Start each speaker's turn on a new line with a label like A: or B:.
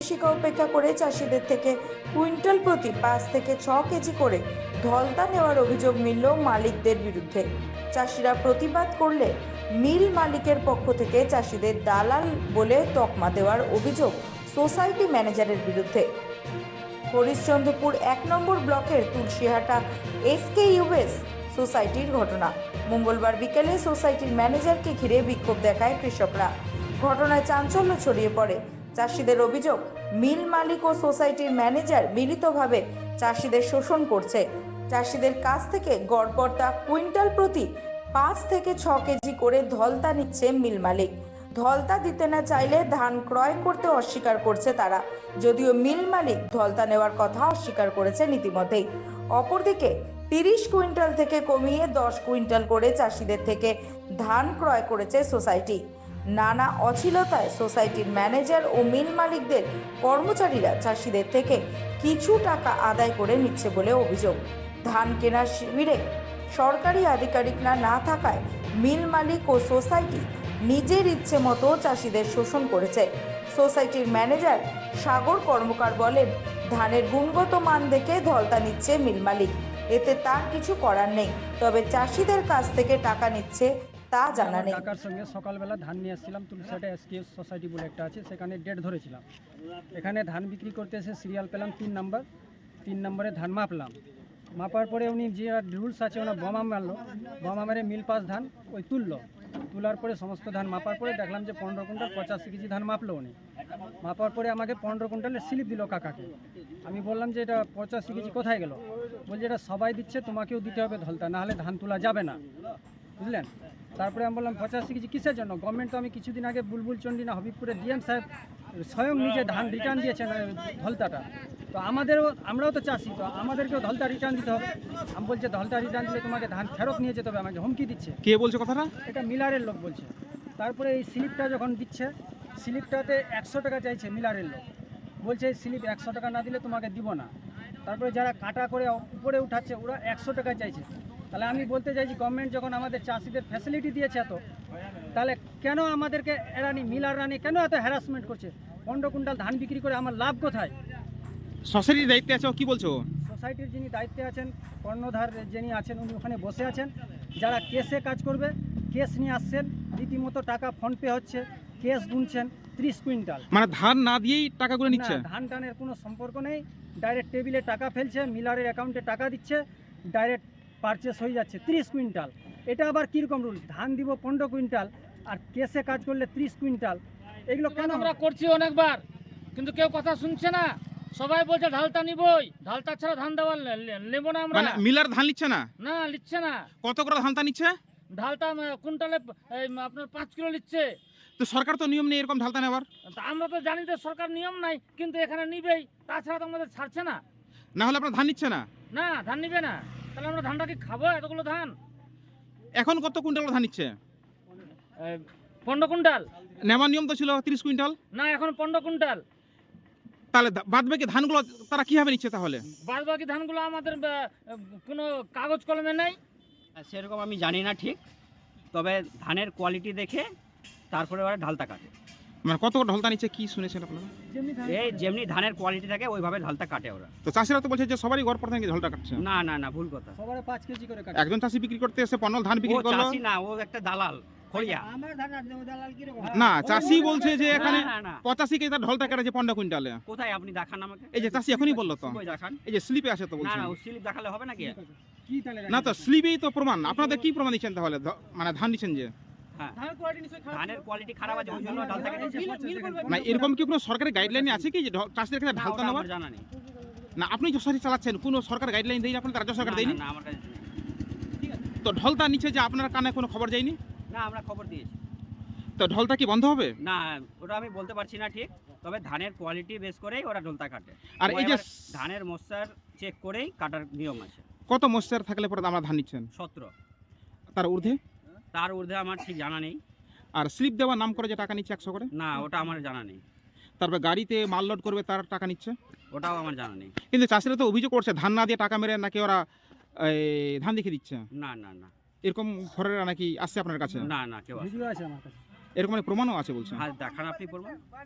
A: নির্দেশিকা উপেক্ষা করে চাষিদের থেকে কুইন্টাল প্রতি 5 থেকে 6 কেজি করে ধলতা নেওয়ার অভিযোগ মিলল মালিকদের বিরুদ্ধে। চাষিরা প্রতিবাদ করলে মিল মালিকের পক্ষ থেকে চাষিদের দালাল বলে তকমা দেওয়ার অভিযোগ সোসাইটি ম্যানেজারের বিরুদ্ধে। হরিশ্চন্দ্রপুর 1 নম্বর ব্লকের তুলসীহাটা SKUS সোসাইটির ঘটনা। মঙ্গলবার বিকেলে সোসাইটির ম্যানেজারকে ঘিরে বিক্ষোভ দেখায় কৃষকরা। ঘটনায় চাঞ্চল্য ছড়িয়ে পড়ে। চাষিদের অভিযোগ, মিল মালিক ও সোসাইটির ম্যানেজার মিলিতভাবে চাষিদের শোষণ করছে। চাষিদের কাছ থেকে গড়পড়তা কুইন্টাল প্রতি 5 থেকে 6 কেজি করে ধলতা নিচ্ছে মিল মালিক। ধলতা দিতে না চাইলে ধান ক্রয় করতে অস্বীকার করছে তারা, যদিও মিল মালিক ধলতা নেওয়ার কথা অস্বীকার করেছেন ইতিমধ্যেই। অপরদিকে 30 কুইন্টাল থেকে কমিয়ে 10 কুইন্টাল করে চাষিদের থেকে ধান ক্রয় করেছে সোসাইটি। নানা অছিলতায় সোসাইটির ম্যানেজার ও মিল মালিকদের কর্মচারীরা চাষিদের থেকে কিছু টাকা আদায় করে নিচ্ছে বলে অভিযোগ। ধান কেনার শিবিরে সরকারি আধিকারিকরা না থাকায় মিল মালিক ও সোসাইটি নিজের ইচ্ছে মতো চাষিদের শোষণ করেছে। সোসাইটির ম্যানেজার সাগর কর্মকার বলেন, ধানের গুণগত মান দেখে ধলতা নিচ্ছে মিল মালিক, এতে তার কিছু করার নেই, তবে চাষিদের কাছ থেকে টাকা নিচ্ছে তা জানা নেই।
B: কাকার সঙ্গে সকালবেলা ধান নিয়ে আসছিলাম, তুলসীহাটা SKUS সোসাইটি বলে একটা আছে, সেখানে ডেট ধরেছিলাম। এখানে ধান বিক্রি করতে এসে সিরিয়াল পেলাম 3 নম্বরে ধান মাপলাম। মাপার পরে উনি যে রুলস আছে ওনার বোমা মারলো, বোমা মেরে মিল পাস ধান ওই তোলার পরে সমস্ত ধান মাপার পরে দেখলাম যে 15 কুইন্টাল 85 কেজি ধান মাপলো উনি। মাপার পরে আমাকে 15 কুইন্টালের স্লিপ দিল কাকাকে। আমি বললাম যে এটা 85 কেজি কোথায় গেল? বলছে এটা সবাই দিচ্ছে, তোমাকেও দিতে হবে ধলতা, নাহলে ধান তোলা যাবে না, বুঝলেন। তারপরে আমি বললাম 85 কেজি কিসের জন্য? গভর্নমেন্ট তো আমি কিছুদিন আগে বুলবুল চন্ডী না হবিবপুরে DM সাহেব স্বয়ং নিজে ধান রিটার্ন দিয়েছেন ধলতাটা, তো আমরাও তো চাষি, তো আমাদেরকেও ধলতা রিটার্ন দিতে হবে। আমি বলছে ধলতা রিটার্ন দিলে তোমাকে ধান ফেরত নিয়ে যেতে হবে, আমাকে হুমকি দিচ্ছে।
C: কে বলছে কথাটা?
B: এটা মিলারের লোক বলছে। তারপরে এই স্লিপটা যখন দিচ্ছে, স্লিপটাতে 100 টাকা চাইছে মিলারের লোক, বলছে এই স্লিপ 100 টাকা না দিলে তোমাকে দিব না। তারপরে যারা কাটা করে উপরে উঠাচ্ছে ওরা 100 টাকা চাইছে। তাহলে আমি বলতে চাইছি, গভর্নমেন্ট যখন আমাদের চাষিদের ফ্যাসিলিটি দিয়েছে এত, তাহলে কেন আমাদেরকে মিলার রানি কেন এত হ্যারাসমেন্ট করছে? 15 কুইন্টাল ধান বিক্রি করে আমার লাভ কোথায়?
C: সোসাইটির দায়িত্বে আছে ও কি বলছো?
B: সোসাইটির যিনি দায়িত্বে আছেন, কর্ণধার যিনি আছেন, উনি ওখানে বসে আছেন। যারা কেসে কাজ করবে, কেস নিয়ে আসছেন, রীতিমতো টাকা ফোনপে হচ্ছে, কেস গুনছেন 30 কুইন্টাল।
C: মানে ধান না দিয়েই টাকাগুলো নিচ্ছে?
B: না, ধান টানের কোনো সম্পর্ক নেই, ডাইরেক্ট টেবিলে টাকা ফেলছে, মিলারের অ্যাকাউন্টে টাকা দিচ্ছে, ডাইরেক্ট পারচেস হয়ে যাচ্ছে 30 কুইন্টাল। এটা আবার কীরকম রুলস? ধান দিব 15 কুইন্টাল আর কেসে কাজ করলে 30 কুইন্টাল, এগুলো কেন?
D: আমরা করছি অনেকবার, কিন্তু কেউ কথা শুনছে না। সবাই বলছে ঢালতা নিবই, ঢালতা ছাড়া ধান দেওয়া নেব না আমরা।
C: মানে মিলার ধান নিচ্ছে না?
D: না, নিচ্ছে না।
C: কত করে ধানটা নিচ্ছে?
D: ঢালতা কুইন্টালে আপনার 5 কিলো নিচ্ছে।
C: তো সরকার তো নিয়ম নেই এরকম ঢালতা নেওয়ার।
D: তা আমরা তো জানি যে সরকার নিয়ম নাই, কিন্তু এখানে নিবেই, তাছাড়া তো আমাদের ছাড়ছে না।
C: না হলে আপনার ধান নিচ্ছে না?
D: না, ধান নিবে না, তাহলে আমরা ধানটা কি খাবো? এতগুলো ধান
C: এখন কত কুইন্টাল ধান নিচ্ছে?
D: 15 কুইন্টাল।
C: নেওয়ার নিয়ম তো ছিল 30 কুইন্টাল।
D: না, এখন 15 কুইন্টাল।
C: তাহলে বাদ বাকি ধানগুলো তারা কিভাবে নিচ্ছে তাহলে?
D: বাদ বাকি ধানগুলো আমাদের কোনো কাগজ কলমে নেই।
E: সেরকম আমি জানি না ঠিক, তবে ধানের কোয়ালিটি দেখে তারপরে ওরা ঢালতা কাটে।
C: মানে কত করে ঢালতা নিচ্ছে কি শুনেছেন আপনারা?
E: এই যেমনি ধানের কোয়ালিটি থাকে ওইভাবে ঢালতা কাটে ওরা।
C: তো চাষিরা তো বলছে যে সবারই ঘর পর থেকে ঢালতা কাটছে।
E: না না না, ভুল কথা।
B: সবার 5 কেজি করে কাটে।
C: একজন চাষি বিক্রি করতে এসে 15 ধান
E: ও
C: বিক্রি করলো।
E: চাষি না, ও একটা দালাল খড়িয়া।
C: না, চাষি বলছে যে এখানে
E: না, না, না।
C: 85 কেজি তার ঢালতা কাটেছে 15 কুইন্টালে।
E: কোথায় আপনি দেখান আমাকে?
C: এই যে চাষি এখনই বললো তো,
E: কই দেখান?
C: এই যে স্লিপে আছে তো
E: না
C: বলছেন।
E: না, ও স্লিপ দেখালে হবে নাকি?
B: কি তাহলে?
C: না তো স্লিপেই তো প্রমাণ। আপনাদের কি প্রমাণ দিচ্ছেন তাহলে? মানে ধান দিচ্ছেন যে
E: হ্যাঁ,
B: ধানের কোয়ালিটি নিশ্চয়ই খারাপ।
E: ধানের কোয়ালিটি খারাপ আছে ওই জন্য ঢালতা কেটেছে।
C: না, এরকম কি কোনো সরকারি গাইডলাইন আছে কি যে চাষিদের কাছে
E: না,
C: ঢালতা
E: ওটা
C: নেওয়ার?
E: আমার জানা নেই।
C: না, আপনি সোসাইটি চালাচ্ছেন, কোনো সরকার গাইডলাইন দেয়নি আপনার? রাজ্য সরকার
E: না,
C: দেয়নি?
E: না, আমার কাছে নেই।
C: তো ঢলতা নিচে যে আপনার কানে কোনো খবর যায়নি?
E: না, আমরা খবর দিয়েছি।
C: তো ঢলতা কি বন্ধ হবে?
E: না, ওটা আমি বলতে পারছি না ঠিক, তবে ধানের কোয়ালিটি বেস করেই ওরা ঢোলতা কাটে।
C: আর এই যে
E: ধানের মশার চেক করেই কাটার নিয়ম আছে।
C: কত মশার থাকলে পরে আমরা ধান নিচ্ছেন?
E: 17।
C: তার ঊর্ধ্বে?
E: তার ঊর্ধ্বে আমার ঠিক জানা নেই।
C: আর স্লিপ দেওয়ার নাম করে যে টাকা নিচ্ছে 100 করে?
E: না, ওটা আমার জানা নেই।
C: তারপর গাড়িতে মাল লোড করবে তার টাকা নিচ্ছে?
E: ওটাও আমার জানা নেই।
C: কিন্তু চাষিরা তো অভিযোগ করছে ধান না দিয়ে টাকা মেরে নাকি ওরা ধান দেখে দিচ্ছে।
E: না না না,
C: এরকম ঘরেরা নাকি আসছে আপনার কাছে?
E: না না, কেউ আসে।
B: ভিডিও আছে আমার কাছে।
C: এরকম প্রমাণও আছে বলছে।
E: হ্যাঁ, দেখান আপনি করবেন।